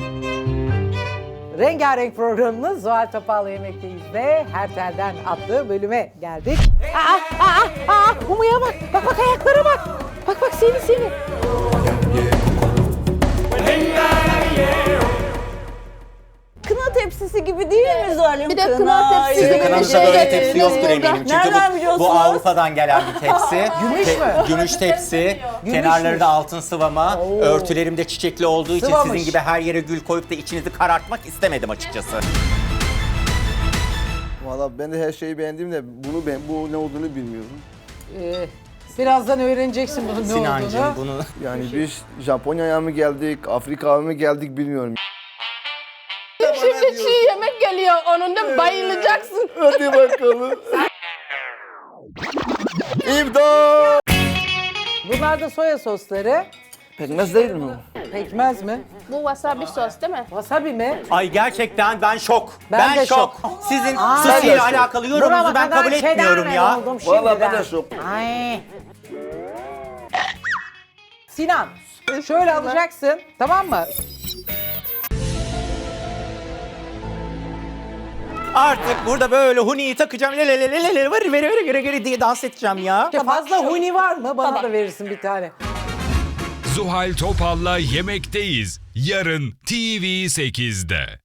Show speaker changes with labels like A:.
A: Rengarenk programımız Zuhal Topal'la Yemekteyiz ve Her Telden adlı bölüme geldik. Umu'ya bak. Bak ayaklara bak. Bak seni.
B: Kına tepsisi gibi değil mi Zuhal'im?
C: Bir de kına tepsisi
B: Sizin
C: gibi bir
D: Kınamızda
C: şey
D: böyle
C: getirdim
D: tepsi yoktur
C: burada.
D: eminim. Çünkü
B: Nereden
D: bu
B: biliyorsunuz?
D: Avrupa'dan gelen bir tepsi.
A: Gümüş mü?
D: Gümüş tepsi.
A: Gümüşmüş.
D: Kenarları da altın sıvama. Örtülerim de çiçekli olduğu için
A: Sıvamış.
D: sizin gibi her yere gül koyup da içinizi karartmak istemedim açıkçası.
E: Valla ben de her şeyi beğendim de bu ne olduğunu bilmiyorum.
A: Birazdan öğreneceksin bunun ne
D: Sinancığım
A: olduğunu.
D: bunu...
E: Yani biz Japonya'ya mı geldik, Afrika'ya mı geldik bilmiyorum.
C: Şimdi çiğ yemek geliyor. Onun da bayılacaksın.
E: Hadi bakalım. İmdat!
A: Bunlar da soya sosları.
E: Pekmez değil mi?
A: Pekmez mi?
C: Bu wasabi sos değil mi?
A: Wasabi mi?
D: Ay gerçekten ben şok.
A: Ben de şok.
D: Sizin
A: Ben
D: sushi
E: de
D: ile
E: şok.
D: alakalı yorumunuzu ben kabul etmiyorum ya.
E: Valla ben de şok.
A: Ay. Sinan, şöyle alacaksın, tamam mı?
D: Artık burada böyle huniyi takacağım. Veri diye dans edeceğim ya.
A: Fazla huni var mı? Bana da verirsin bir tane.
F: Zuhal Topal'la Yemekteyiz. Yarın TV8'de.